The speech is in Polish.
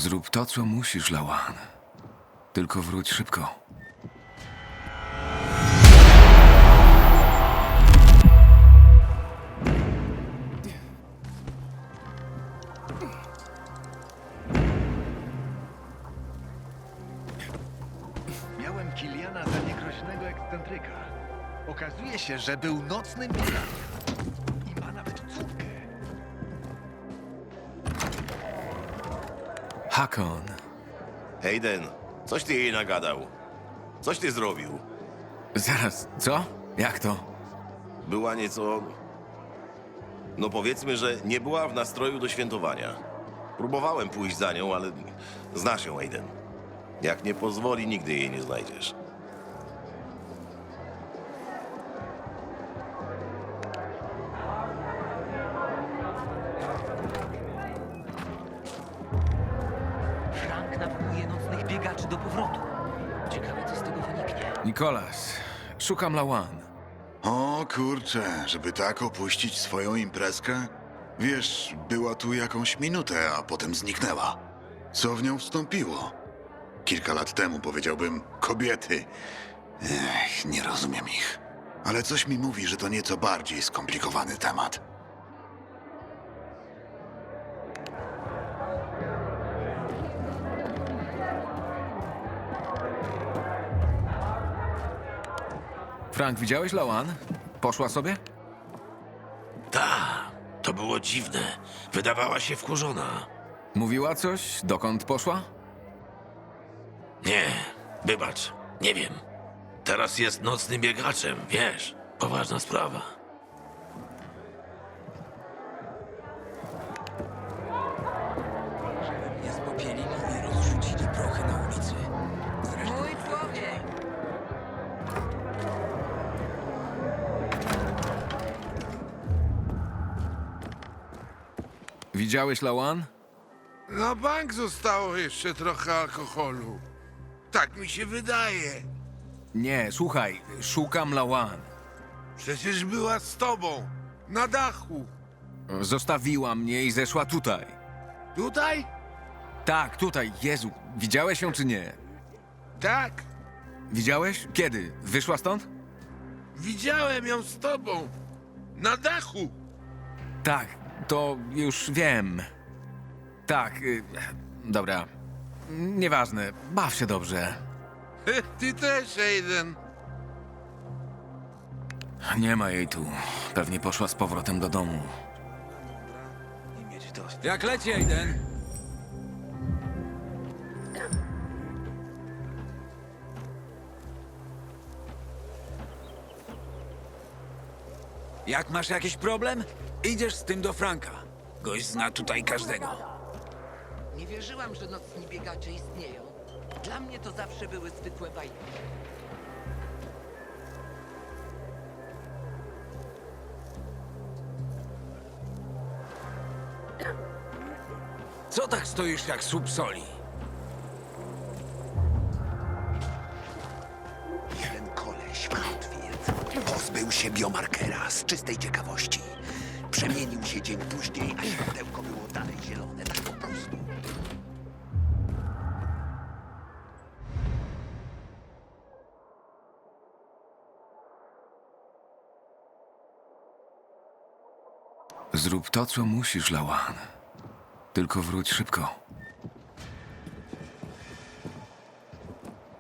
Zrób to, co musisz, Lawan. Tylko wróć szybko. Miałem Kiliana za niegroźnego ekscentryka. Okazuje się, że był nocnym biegaczem. I ma nawet córkę. Hakon. Hayden, coś ty jej nagadał. Coś ty zrobił. Zaraz, co? Jak to? Była nieco... No powiedzmy, że nie była w nastroju do świętowania. Próbowałem pójść za nią, ale znasz ją, Hayden. Jak nie pozwoli, nigdy jej nie znajdziesz. Frank nawołuje nocnych biegaczy do powrotu. Ciekawe, co z tego wyniknie. Nikolas, szukam Lawan. O kurczę, żeby tak opuścić swoją imprezkę? Wiesz, była tu jakąś minutę, a potem zniknęła. Co w nią wstąpiło? Kilka lat temu powiedziałbym kobiety. Nie rozumiem ich. Ale coś mi mówi, że to nieco bardziej skomplikowany temat. Frank, widziałeś Lawan? Poszła sobie? To było dziwne. Wydawała się wkurzona. Mówiła coś? Dokąd poszła? Nie, wybacz, nie wiem. Teraz jest nocnym biegaczem, wiesz. Poważna sprawa. Nie spopielili i rozrzucili prochy na ulicy. Mój człowiek! Widziałeś Lawan? Na bank zostało jeszcze trochę alkoholu. Tak mi się wydaje. Nie, słuchaj, szukam Lawan. Przecież była z tobą. Na dachu. Zostawiła mnie i zeszła tutaj. Tutaj? Tak, tutaj, Jezu. Widziałeś ją czy nie? Tak. Widziałeś? Kiedy? Wyszła stąd? Widziałem ją z tobą. Na dachu. Tak, to już wiem. Tak, dobra. Nieważne, baw się dobrze. Ty też, Aiden. Nie ma jej tu. Pewnie poszła z powrotem do domu. Jak leci, Aiden? Jak masz jakiś problem? Idziesz z tym do Franka. Gość zna tutaj każdego. Nie wierzyłam, że nocni biegacze istnieją. Dla mnie to zawsze były zwykłe bajki. Co tak stoisz jak słup soli? Jeden koleś w Hatfield pozbył się biomarkera z czystej ciekawości. Przemienił się dzień później, a światełko było dalej zielone, tak po prostu. Zrób to, co musisz, Lawan. Tylko wróć szybko.